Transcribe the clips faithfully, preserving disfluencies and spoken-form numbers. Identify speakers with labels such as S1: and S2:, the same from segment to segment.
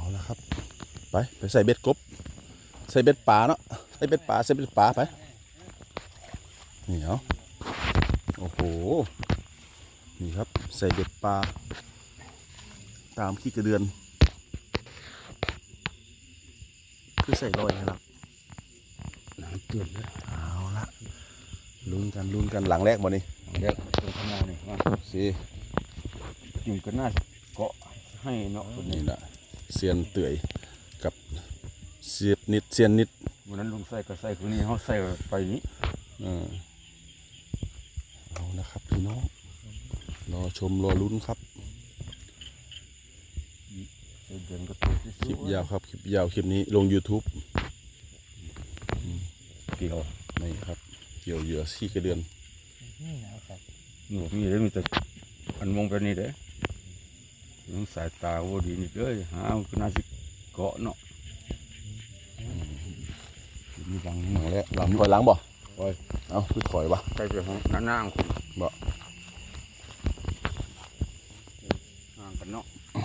S1: ละครับไปไปใส่เบ็ดกบใส่เบ็ดป่าเนาะใส่เบ็ดป่าใส่เบ็ดป่าไปนี่เอาโอ้โหนี่ครับใส่เบ็ดปลาตามขี้กระเดือนคือใส่ลอยนะครับน้ำจืดเลยเอาละลุ้นกันลุ้นกันหลังแรกบ่นี่
S2: เด็กตรงข้างหน้านี่มา
S1: สิ
S2: อยู่กันหน้าเกาะให้เนาะคนนี้
S1: นี่นะเซียนเตื่อยกับเสียบนิดเซียนนิด
S2: วันนั้นลุงใส่ก็ใส่คนนี้เขาใส่ไปนี้
S1: เอานะครับพี่น้องรอชมรอลุ้นครับ
S2: เดินก็ตัว
S1: คลิปยาวครับคลิปยาวคลิปนี้ลง YouTube
S2: เกี่ยว
S1: นี่ครับเกี่ยวเหยื่อขี้กระเดือน
S2: นี่นะครับหนูมีได้มีแต่อันมองไปนี่เด้ลุงสายตาโอ้ดีนี่เลยหาก็น่าสิเกาะเนาะ
S1: มีหลังหลังแล้วหลังถอยหลังบ่ถอยเอาคือถอยบ่
S2: ใส่ไปห้องนั่งนั่งคุณ
S1: บ่
S2: ห่างกันเนาะ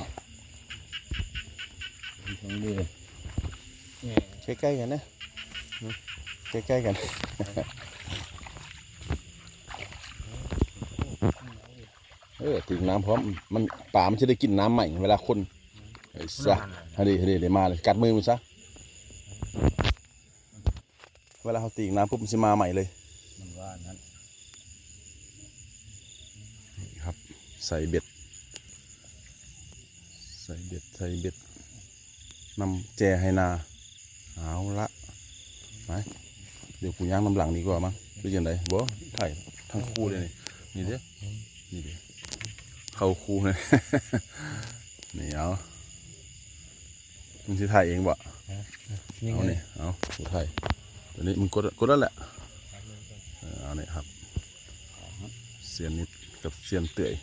S2: ตรงนี้
S1: ใกล้ๆกันนะใกล้ๆกันเออถึงน้ำพร้อมมันป่ามันจะได้กินน้ำใหม่เวลาคนไอ้ซะฮะดิฮะดิเดี๋ยวมาเลยกัดมือมันซะเวลาเขาตีน้ำปุ๊บมันจะมาใหม่เลย
S2: มันว่านั้น
S1: นี่ครับใส่เบ็ดใส่เบ็ดใส่เบ็ดนำแจให้นาเอาละไปเดี๋ยวกูย่างน้ำหลังดีกว่ามั้งดูยังไงบ่ถ่ายทั้งคู่เลยนี่นี่เด้นี่เด้เข้าคู่เลยนี่เอามึงจะถ่ายเองบ่เอาเนี่ยเอากูถ่ายตัวนี้มึงกดกดแล้วแหละเอาเนี่ยครับเสียนนิดกับเสียนเตื่อย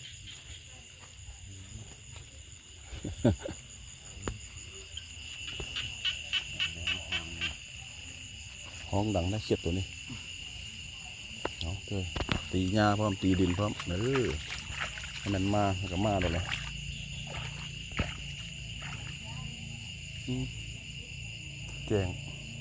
S1: ห้องดังน่าเขียดตัวนี้เอาเถอะตีหญ้าพร้อมตีดินพร้อมเออให้มันมามันก็มาเลยนะแจง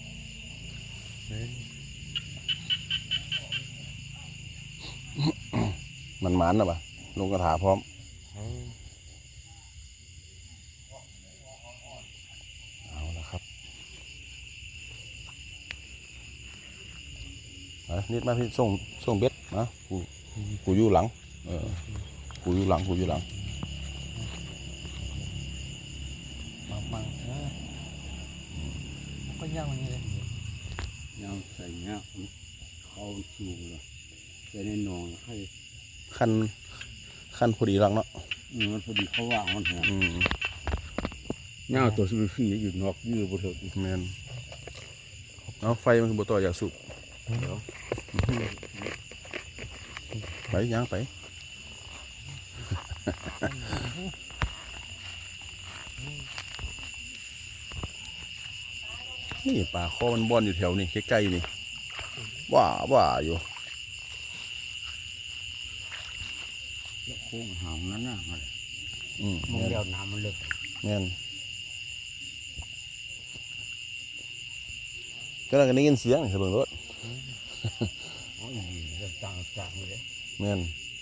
S1: มันหมานนะปะลงกระถาพร้อมเอาละครับนิดมาพี่ส่งส่งเบ็ดนะกูกูอยู่หลังเออกูอยู่หลังกูอยู่หลัง
S2: มาบังเออก็ย่างมันนี่เลยย่างใส่เงี้ยเขาชูเลยใส่ในหนองให้
S1: ขั้นขั้นพอดีหลังเนาะ
S2: มันพอดีเขาว่างมันแหงเงาตัวสีสีอยู่นอกยืดบนเถิด
S1: แมนเอาไฟมันคือบต่ออยากสูบไปย่างไปนี่ป่าคอมันบอนอยู่แถวนี้ใกล้ๆนี่ว่าว่าอยู่
S2: โค้งหางนั้นน่ะมัน
S1: อืม
S2: มันเดียวน้ำมันลึก
S1: แม่นก็เราก็ได้ยินเสียงเสียงรถ
S2: อ๋อเรื่องต่างต่างเลย
S1: แม่น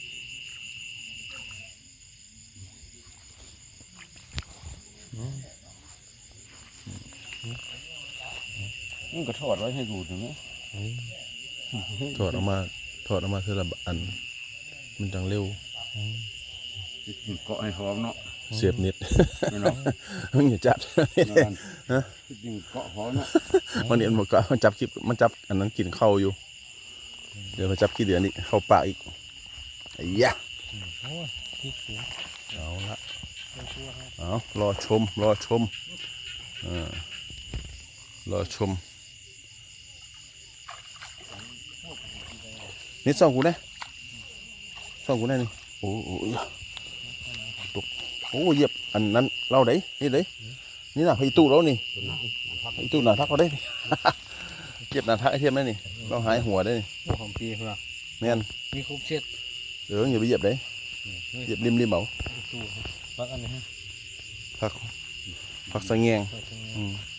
S2: มันก็ทอดไว้ให้ดูถึงนี้
S1: ถอดออกมาถอดออกมาเท่าละอันมันจังเร็ว
S2: เกาะให้หอมเนาะ
S1: เสียบนิดมึงอย่าจับฮะ
S2: เกาะหอมเนาะ
S1: มันเนี่ยมันก็มันจับคลิปมันจับอันนั้นกินเข้าอยู่เดี๋ยวมาจับกี่เดือนนี้เข้าปากอีกไอ้ยะเอาละเอารอชมรอชมอ่ารอชมนี่ส่องกูนะส่องกูนะนี่โอ้โหตกโอ้เหยียบอันนั้นเราได้นี่ได้นี่น่ะพี่ตู้เรานี่พี่ตู้หนาทักเขาได้เก็บหนาทักไอเทียมได้นี่เราหายหัวได้นี่
S2: ของปีเหรอ
S1: แม่น
S2: มีคุบเช็ด
S1: เอออย่าไปเหยียบได้เหยียบริมริมเบา
S2: พักอันนี้
S1: พักผักสะแงง
S2: ก็จะ
S1: อืม